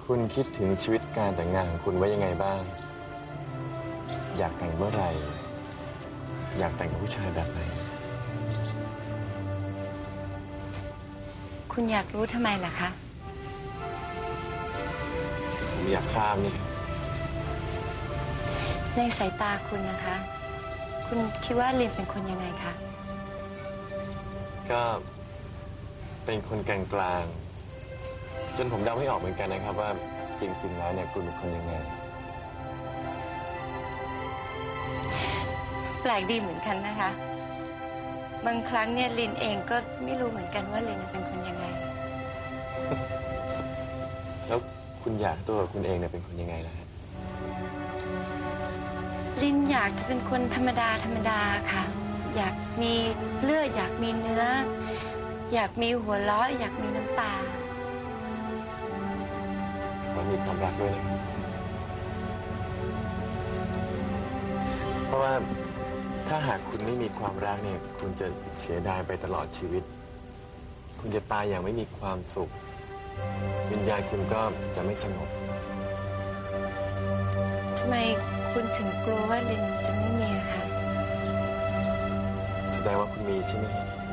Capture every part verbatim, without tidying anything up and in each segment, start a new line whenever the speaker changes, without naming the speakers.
คุณคิดถึงชีวิตการแต่งงานของคุณไว้ยังไงบ้างอยากแต่งเมื่อไหร่อยากแต่งกับผู้ชายแบบไหน
คุณอยากรู้ทำไมล่ะคะ
ผมอยากทราบนี่
ในสายตาคุณนะคะคุณคิดว่าลินเป็นคนยังไงคะ
ก็เป็นคนกลางๆจนผมเดาไม่ออกเหมือนกันนะครับว่าจริงๆแล้วเนี่ยคุณเป็นคนยังไง
แปลกดีเหมือนกันนะคะบางครั้งเนี่ยลินเองก็ไม่รู้เหมือนกันว่าลินเป็นคนยังไง
แล้วคุณอยากตัวคุณเองเนี่ยเป็นคนยังไงล่ะฮะ
ลินอยากจะเป็นคนธรรมดาธรรมดาค่ะอยากมีเลือดอยากมีเนื้ออยากมีหัวเราะอยากมีน้ำตา
ขอมีความรักด้วยนะครับเพราะว่าถ้าหากคุณไม่มีความรักเนี่ยคุณจะเสียดายไปตลอดชีวิตคุณจะตายอย่างไม่มีความสุขวิญญาณคุณก็จะไม่สงบ
ทำไมคุณถึงกลัวว่าลินจะไม่มีอะคะ
แสดงว่าคุณมีใช่ไหม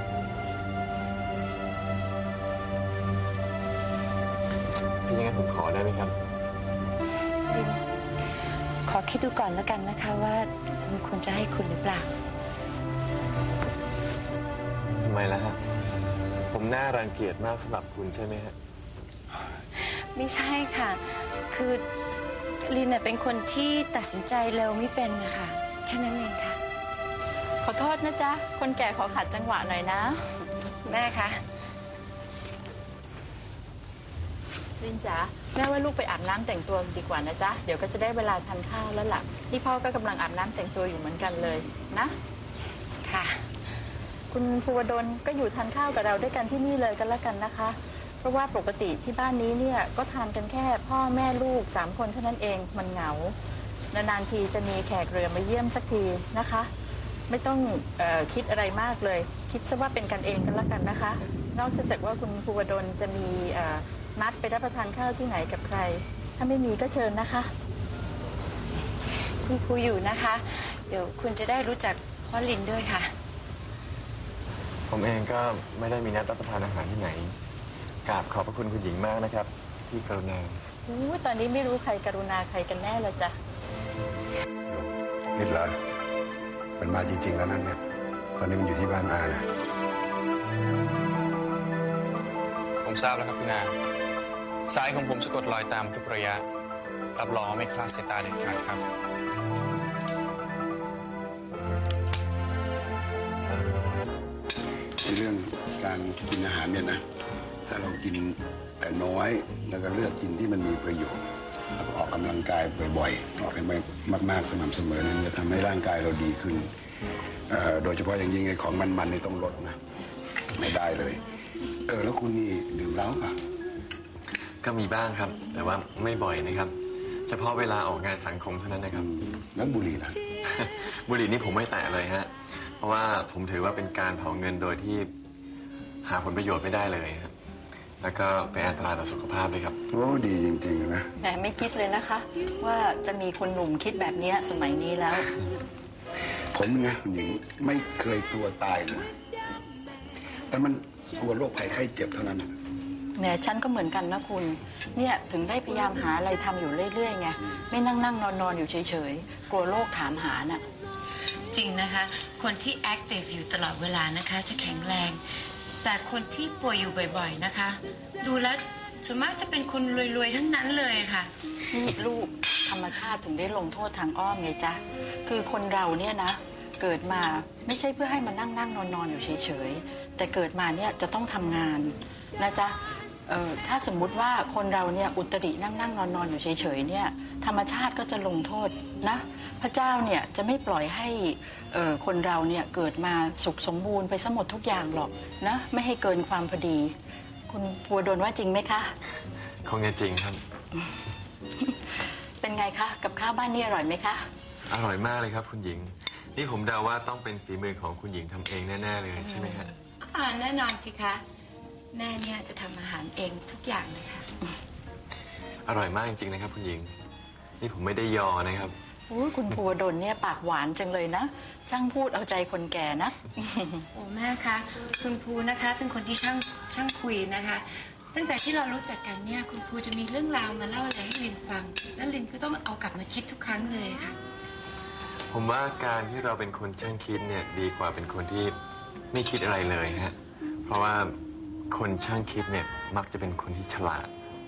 ถ้าอย่างนั้นผมขอได้ไหมครับ
ลินขอคิดดูก่อนแล้วกันนะคะว่าลินควรจะให้คุณหรือเปล่า
ทำไมล่ะฮะผมน่ารังเกียจมากสำหรับคุณใช่ไหมฮะ
ไม่ใช่ค่ะคือลินเน่ยเป็นคนที่ตัดสินใจเร็วไม่เป็นนะคะแค่นั้นเองค่ะ
ขอโทษนะจ๊ะคนแก่ขอขัดจังหวะหน่อยนะ
แม่คะ
ลินจ๋าแม่ว่าลูกไปอาบน้ำแต่งตัวดีกว่านะจ๊ะเดี๋ยวก็จะได้เวลาทานข้าวแล้วล่ะนี่พ่อก็กำลังอาบน้ำแต่งตัวอยู่เหมือนกันเลยนะ
ค่ะ
คุณภูวดลก็อยู่ทานข้าวกับเราด้วยกันที่นี่เลยกันแล้วกันนะคะเพราะว่าปกติที่บ้านนี้เนี่ยก็ทานกันแค่พ่อแม่ลูกสามคนเท่านั้นเองมันเหงานานๆทีจะมีแขกเรือมาเยี่ยมสักทีนะคะไม่ต้องเอ่อคิดอะไรมากเลยคิดซะว่าเป็นกันเองกันแล้วกันนะคะนอกจากว่าคุณภูวดลจะมีนัดไปรับประทานข้าวที่ไหนกับใครถ้าไม่มีก็เชิญนะคะ
คุณครูอยู่นะคะเดี๋ยวคุณจะได้รู้จักพ่อลินด้วยค่ะ
ผมเองก็ไม่ได้มีนัดรับประทานอาหารที่ไหนกราบขอบพระคุณคุณหญิงมากนะครับที่กรุณา
อู้ตอนนี้ไม่รู้ใครกรุณาใครกันแน่เลยจ้ะ
นิดเหรอมันมาจริงๆแล้วนั่นเนี่ยตอนนี้มันอยู่ที่บ้านอานะ
ผมทราบแล้วครับคุณอาสายของผมสะกดรอยตามทุกระยะรับรองไม่คลาดสายตาเด็ดขาดครับ
ในเรื่องการกินอาหารเนี่ยนะถ้าเรากินแต่น้อยแล้วก็เลือกกินที่มันมีประโยชน์แล้วก็ออกกำลังกายบ่อยๆออกไปมากๆสม่ำเสมอเนี่ยจะทำให้ร่างกายเราดีขึ้นโดยเฉพาะอย่างยิ่งไอ้ของมันๆนี่ต้องลดนะไม่ได้เลยเออแล้วคุณนี่ดื่มเหล้าป่ะ
ก็มีบ้างครับแต่ว่าไม่บ่อยนะครับเฉพาะเวลาออกงานสังคมเท่านั้นนะครับ
แล้วบุหรี่ล่ะ
บุหรี่นี่ผมไม่แตะเลยฮะเพราะว่าผมถือว่าเป็นการเผาเงินโดยที่หาผลประโยชน์ไม่ได้เลยครับแล้วก็เป็นอันตรายต่อสุขภาพด้วยครับ
โอ้ดีจริงๆนะ
แหมไม่คิดเลยนะคะว่าจะมีคนหนุ่มคิดแบบนี้สมัยนี้แล้ว
ผมนะคุณหญิงไม่เคยกลัวตายเลยแต่มันกลัวโรคภัยไข้เจ็บเท่านั้น
แหมฉันก็เหมือนกันนะคุณเนี่ยถึงได้พยายามหาอะไรทำอยู่เรื่อยๆไงไม่นั่งนั่งนอนนอนอยู่เฉยๆกลัวโรคถามหาน่ะ
จริงนะคะคนที่แอคทีฟอยู่ตลอดเวลานะคะจะแข็งแรงแต่คนที่ป่วยอยู่บ่อยๆนะคะดูแล้วส่วนมากจะเป็นคนรวยๆทั้งนั้นเลยค่ะ
นี่ลูกธรรมชาติถึงได้ลงโทษทางอ้อมไงจ๊ะคือคนเราเนี่ยนะเกิดมาไม่ใช่เพื่อให้มานั่งนั่งนอนนอนอยู่เฉยๆแต่เกิดมาเนี่ยจะต้องทำงานนะจ๊ะเอ่อถ้าสมมุติว่าคนเราเนี่ยอุตรินั่งนั่งนอนนอนอยู่เฉยๆเนี่ยธรรมชาติก็จะลงโทษนะพระเจ้าเนี่ยจะไม่ปล่อยให้เอ่อคนเราเนี่ยเกิดมาสุขสมบูรณ์ไปซะหมดทุกอย่างหรอกนะไม่ให้เกินความพอดีคุณภูวดลว่าจริงไหมคะ
คงจะจริงครับ
เป็นไงคะกับข้าวบ้านนี่อร่อยไหมคะ
อร่อยมากเลยครับคุณหญิงนี่ผมเดาว่าต้องเป็นฝีมือของคุณหญิงทำเองแน่ๆเลยใช่ไหมฮะ
อ่าแน่นอนสิคะแม่เนี่ยจะทำอาหารเองทุกอย่างเลยค่ะ
ออร่อยมากจริงๆนะครับคุณหญิงนี่ผมไม่ได้ยอนะครับ
โอ้ยคุณภูวดลเนี่ยปากหวานจังเลยนะช่างพูดเอาใจคนแก่นะ
โอ้แม่คะคุณภูนะคะ เป็นคนที่ช่างช่างคุยนะคะ ตั้งแต่ที่เรารู้จักกันเนี่ยคุณภูจะมีเรื่องราวมาเล่าอะไรให้ลินฟัง แล้วลินก็ต้องเอากลับมาคิดทุกครั้งเลยค่ะ
ผมว่าการที่เราเป็นคนช่างคิดเนี่ยดีกว่าเป็นคนที่ไม่คิดอะไรเลยฮะเพราะว่าคนช่างคิดเนี่ยมักจะเป็นคนที่ฉลาด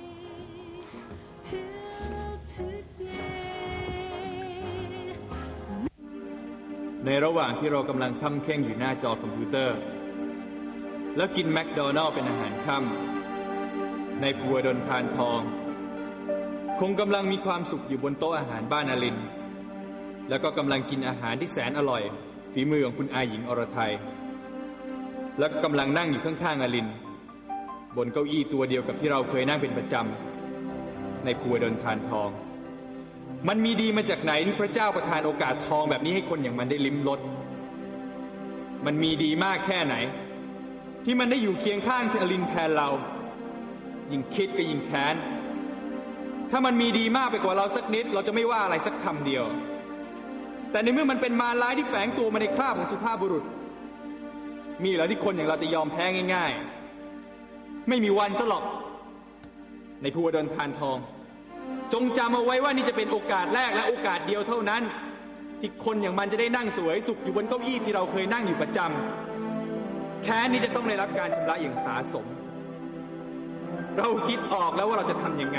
ในระหว่างที่เรากำลังค่ำเข่งอยู่หน้าจอคอมพิวเตอร์ แล้วกินแมคโดนัลล์เป็นอาหารค่ำในภูวดลพานทอง คงกำลังมีความสุขอยู่บนโต๊ะอาหารบ้านอลิน แล้วก็กำลังกินอาหารที่แสนอร่อยฝีมือของคุณอาหญิงอรไทยแล้วก็กำลังนั่งอยู่ข้างๆอลิน บนเก้าอี้ตัวเดียวกับที่เราเคยนั่งเป็นประจำในภูวดลพานทองมันมีดีมาจากไหนที่พระเจ้าประทานโอกาสทองแบบนี้ให้คนอย่างมันได้ลิ้มรสมันมีดีมากแค่ไหนที่มันได้อยู่เคียงข้างอลินแทนเรายิ่งคิดก็ยิ่งแค้นถ้ามันมีดีมากไปกว่าเราสักนิดเราจะไม่ว่าอะไรสักคำเดียวแต่ในเมื่อมันเป็นมารร้ายที่แฝงตัวมาในคราบของสุภาพบุรุษมีเหรอที่คนอย่างเราจะยอมแพ้ง่ายๆไม่มีวันซะหรอกในภูวดลพานทองจงจำเอาไว้ว่านี่จะเป็นโอกาสแรกและโอกาสเดียวเท่านั้นที่คนอย่างมันจะได้นั่งสวยสุขอยู่บนเก้าอี้ที่เราเคยนั่งอยู่ประจำแค้นนี้จะต้องได้รับการชำระอย่างสาสมเราคิดออกแล้วว่าเราจะทำยังไง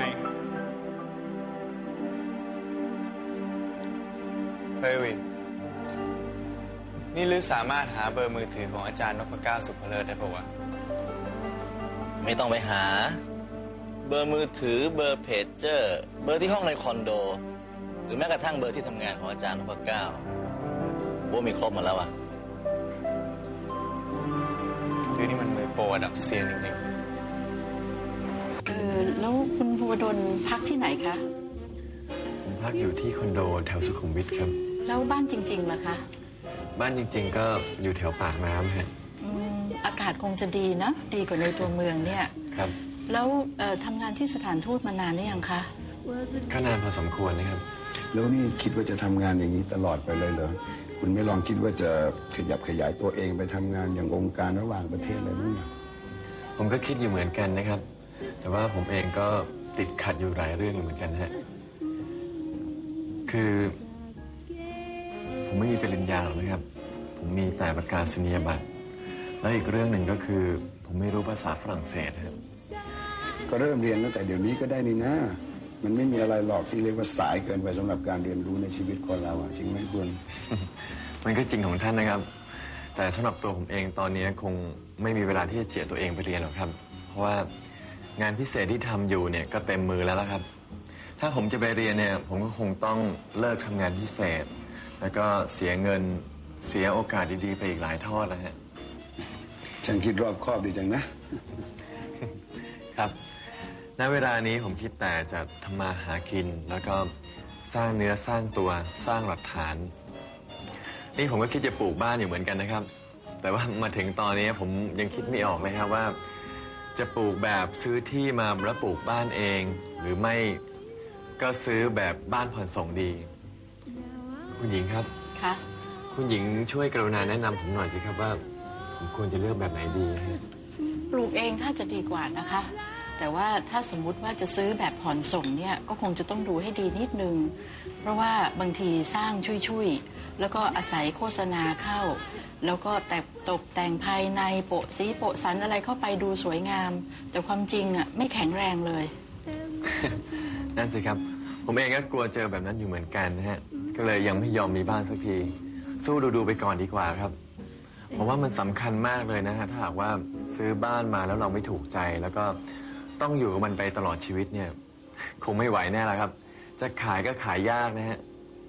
เฮ้ยวินนี่ลือสามารถหาเบอร์มือถือของอาจารย์นพเก้าสุภเลิศได้ปะวะ
ไม่ต้องไปหาเบอร์มือถือเบอร์เพจเจอร์เบอร์ที่ห้องในคอนโดหรือแม้กระทั่งเบอร์ที่ทำงานของอาจารย์นพเก้าว่ามีครบหมดแล้วอะ
คือนี่มันมือโปรระดับเซียนจริง
เออแล้วคุณภูวดลพักที่ไหนคะ
ผมพักอยู่ที่คอนโดแถวสุขุมวิทครับ
แล้วบ้านจริงๆล่ะคะ
บ้านจริงๆก็อยู่แถวปากน้ำฮะ
อืมอากาศคงจะดีนะดีกว่าในตัวเมืองเนี่ย
ครับ
แล้วเอ่อทำงานที่สถานทูตมานานหรือยังคะ
ก็นานพอสมควรนะครับ
แล้วนี่คิดว่าจะทำงานอย่างนี้ตลอดไปเลยเหรอคุณไม่ลองคิดว่าจะขยับขยายตัวเองไปทำงานอย่างองค์การระหว่างประเทศอะไรบ้างเนี่ย
ผมก็คิดอยู่เหมือนกันนะครับ แต่ว่าผมเองก็ติดขัดอยู่หลายเรื่องอยู่เหมือนกันฮะคือ ผมไม่มีปริญญาหรอกนะครับ ผมมีแต่ประกาศนียบัตรและอีกเรื่องหนึ่งก็คือ ผมไม่รู้ภาษาฝรั่งเศสครับ
ก็เริ่มเรียนตั้งแต่เดี๋ยวนี้ก็ได้นี่นะมันไม่มีอะไรหรอกที่เรียกว่าสายเกินไปสำหรับการเรียนรู้ในชีวิตคนเราอะจริงไหมคุณ
มันก็จริงของท่านนะครับ แต่สำหรับตัวผมเองตอนนี้คงไม่มีเวลาที่จะเจียดตัวเองไปเรียนหรอกครับ เพราะว่างานพิเศษที่ทำอยู่เนี่ยก็เต็มมือแล้วละครับ ถ้าผมจะไปเรียนเนี่ยผมก็คงต้องเลิกทำงานพิเศษ แล้วก็เสียเงินเสียโอกาสดีๆไปอีกหลายทอดแล้วฮะ
ฉันคิดรอบคอบดีจังนะ
ครับ ณ เวลานี้ผมคิดแต่จะทำมาหากิน แล้วก็สร้างเนื้อสร้างตัวสร้างหลักฐาน นี่ผมก็คิดจะปลูกบ้านอยู่เหมือนกันนะครับ แต่ว่ามาถึงตอนนี้ผมยังคิดไม่ออกเลยครับว่า จะปลูกแบบซื้อที่มาแล้วปลูกบ้านเอง หรือไม่ก็ซื้อแบบบ้านผ่อนส่งดี คุณหญิงครับ
คะ
คุณหญิงช่วยกรุณาแนะนำผมหน่อยสิครับว่าผมควรจะเลือกแบบไหนดีฮะ
ปลูกเองถ้าจะดีกว่านะคะ แต่ว่าถ้าสมมุติว่าจะซื้อแบบผ่อนส่งเนี่ยก็คงจะต้องดูให้ดีนิดนึง เพราะว่าบางทีสร้างชุยๆแล้วก็อาศัยโฆษณาเข้า แล้วก็แต่ตกแต่งภายในโปะสีโปะสันอะไรเข้าไปดูสวยงาม แต่ความจริงอ่ะไม่แข็งแรงเลย
นั่นสิครับ ผมเองก็กลัวเจอแบบนั้นอยู่เหมือนกันนะฮะ ก็เลยยังไม่ยอมมีบ้านสักที สู้ดูๆไปก่อนดีกว่าครับ ผมว่ามันสำคัญมากเลยนะฮะ ถ้าหากว่าซื้อบ้านมาแล้วเราไม่ถูกใจ แล้วก็ต้องอยู่กับมันไปตลอดชีวิตเนี่ย คงไม่ไหวแน่ละครับ จะขายก็ขายยากนะฮะ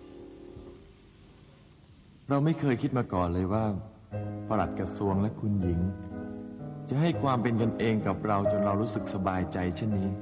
เราไม่เคยคิดมาก่อนเลยว่าปลัดกระทรวงและคุณหญิง จะให้ความเป็นกันเองกับเราจนเรารู้สึกสบายใจเช่นนี้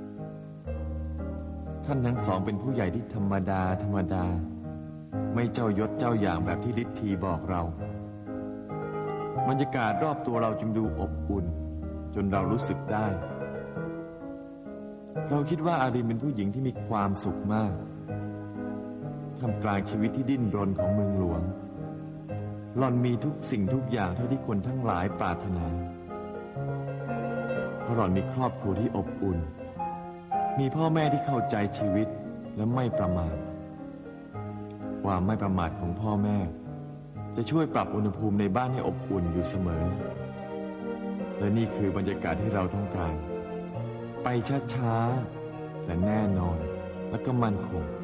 ท่านทั้งสองเป็นผู้ใหญ่ที่ธรรมดาธรรมดา ไม่เจ้ายศเจ้าอย่างแบบที่ฤทธีบอกเราบรรยากาศรอบตัวเราจึงดูอบอุ่น จนเรารู้สึกได้เราคิดว่าอารินเป็นผู้หญิงที่มีความสุขมากท่ามกลางชีวิตที่ดิ้นรนของเมืองหลวงหล่อนมีทุกสิ่งทุกอย่างเท่าที่คนทั้งหลายปรารถนาเพราะหล่อนมีครอบครัวที่อบอุ่นมีพ่อแม่ที่เข้าใจชีวิตและไม่ประมาทความไม่ประมาทของพ่อแม่จะช่วยปรับอุณหภูมิในบ้านให้อบอุ่นอยู่เสมอและนี่คือบรรยากาศที่เราต้องการไปช้าๆแต่แน่นอนและก็มั่นคง